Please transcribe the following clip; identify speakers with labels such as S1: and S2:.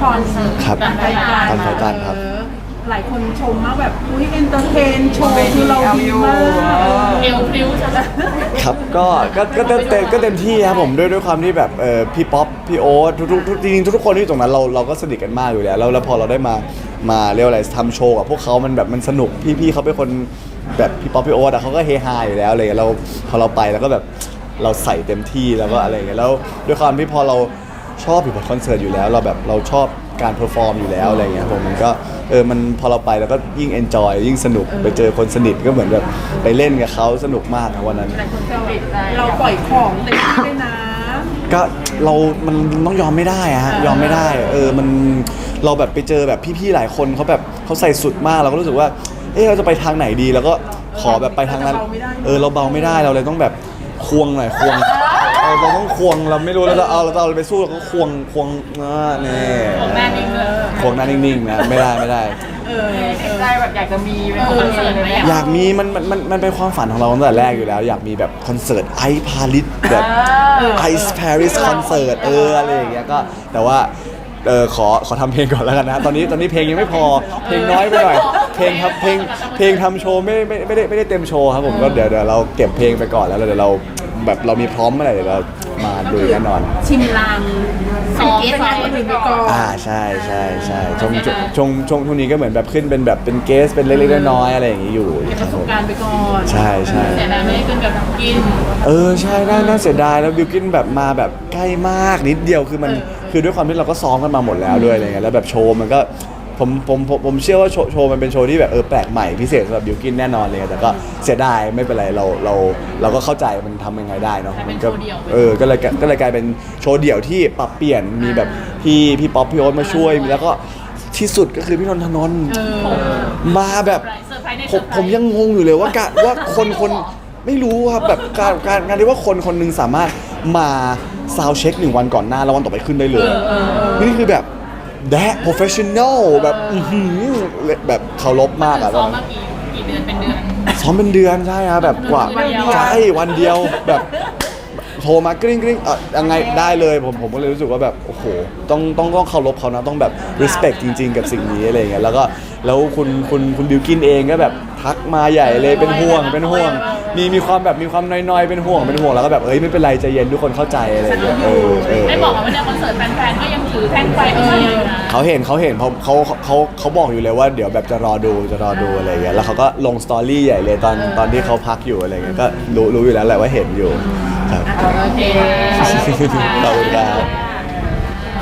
S1: อน
S2: ครับ
S1: กันไฟตา
S2: กันไฟตาครับ
S1: หลายคนชมมากแบบอุ้ยเอนเตอร์เทนโชว์คือเราดีมาก
S3: เอวพริ้วใช่ไหม
S2: ครับก็เต็มที่ครับผมด้วยความที่แบบพี่ป๊อปพี่โอ๊ตทุกจริงๆทุกคนที่อยู่ตรงนั้นเราก็สนิทกันมากอยู่แล้วพอเราได้มาเรียกว่าอะไรทำโชว์กับพวกเขามันแบบมันสนุกพี่เขาเป็นคนแบบพี่ป๊อปพี่โอ๊ตอะเขาก็เฮฮาอยู่แล้วอะไรเลยเราพอเราไปแล้วก็แบบเราใส่เต็มที่แล้วก็อะไรอย่างเงี้ยแล้วด้วยความที่พอเราชอบอยู่บนคอนเสิร์ตอยู่แล้วเราชอบการเพอร์ฟอร์มอยู่แล้วอะไรเงี้ยผมมันก็มันพอเราไปแล้วก็ยิ่งเอนจอยยิ่งสนุกไปเจอคนสนิทก็เหมือนแบบไปเล่นกับเขาสนุกมากนะวันนั้น
S1: หลายคนก็เราปล่อยของเต็มที่ด้วยนะ
S2: ก็มันต้องยอมไม่ได้อะฮะยอมไม่ได้มันเราแบบไปเจอแบบพี่ๆหลายคนเขาแบบเขาใส่สุดมากเราก็รู้สึกว่าเราจะไปทางไหนดีแล้วก็ขอแบบไปทางนั้นเราเบาไม่ได้เราเลยต้องแบบควงหน่อยควงเราต้องควงเราไม่รู้เราจะเอาอะไรไปสู้เราก็ควงนี่
S3: ของแม่นิ่งเลย
S2: ควงหน้านิ่งๆนะไม่ได้
S3: ใจแบบอยากจะมีเป็นคอนเสิร์ตไหม
S2: อยากมีมันเป็นความฝันของเราตั้งแต่แรกอยู่แล้วอยากมีแบบคอนเสิร์ตไอซ์พาริสแบบไอซ์ปาริสคอนเสิร์ตอะไรอย่างเงี้ยก็แต่ว่าขอทำเพลงก่อนแล้วกันนะตอนนี้เพลงยังไม่พอเพลงน้อยไปหน่อยเพลงทำโชว์ไม่ได้เต็มโชว์ครับผมก็เดี๋ยวเราเก็บเพลงไปก่อนแล้วเดี๋ยวเราแบบเรามีพร้อมเมื่อไหร่เดี๋ยวเรามาดูแน่นอน
S1: ชิมลางซ้อมไปก่อน
S2: ใช่ช่วงนี้ก็เหมือนแบบขึ้นเป็นแบบเป็นเกสเป็นเล็กๆน้อยๆอะไรอย่างงี้อยู่
S1: เก็บประสบการณ์ไปก่อน
S2: ใช่
S3: แต่นายไม่ได้ขึ้นกับกิน
S2: ใช่น่าเสียดายแล้วบิวกินแบบมาแบบใกล้มากนิดเดียวคือมันคือด้วยความที่เราก็ซ้อมกันมาหมดแล้วด้วยอะไรเงี้ยแล้วแบบโชว์มันก็ผมเชื่อว่าโชว์มันเป็นโชว์ที่แบบแปลกใหม่พิเศษสำหรับบิวกินแน่นอนเลยแต่ก็เสียดายไม่เป็นไรเราก็เข้าใจมันทำยังไงได้เนาะมันก็ก็เลยกลายเป็นโชว์เดี่ยวที่ปรับเปลี่ยนมีแบบพี่ป๊อปพี่โอ๊ตมาช่วยแล้วก็ที่สุดก็คือพี่นนทนนท์มาแบบผมยังงงอยู่เลยว่าคนไม่รู้ครับแบบการที่ว่าคนนึงสามารถมาซาวด์เช็ค1 วันก่อนหน้าแล้ววันต่อไปขึ้นได้เลยนี่คือแบบแดะ professional แบบแบบเคารพมากอะ
S3: ซ้อมมากี่เดือนเป็นเดือน
S2: ซ้อมเป็นเดือนใช่ครับแบบกว่าใช่วันเดียวแบบโทรมากริ้งยังไงได้เลยผมก็เลยรู้สึกว่าแบบโอ้โหต้องเคารพเขานะต้องแบบ respect จริงๆกับสิ่งนี้อะไรเงี้ยแล้วคุณบิวกินเองก็แบบทักมาใหญ่เลยเป็นห่วงมีความแบบมีความน้อยๆเป็นห่วงแล้วก็แบบไม่เป็นไรใจเย็นทุกคนเข้าใจอะไรอย่างเงี้ย
S3: ได้บอกว่าเนี่ยคอนเสิร์ตแฟนๆก็ยังถือแท่งไฟไม่ใช่เลยนะ
S2: เขาเห็นเขาบอกอยู่เลยว่าเดี๋ยวแบบจะรอดูอะไรอย่างเงี้ยแล้วเขาก็ลงสตอรี่ใหญ่เลยตอนที่เขาพักอยู่อะไรเงี้ยก็รู้อยู่แล้วแหละว่าเห็นอยู่ครับ
S3: โอเค
S2: ขอบคุณครับ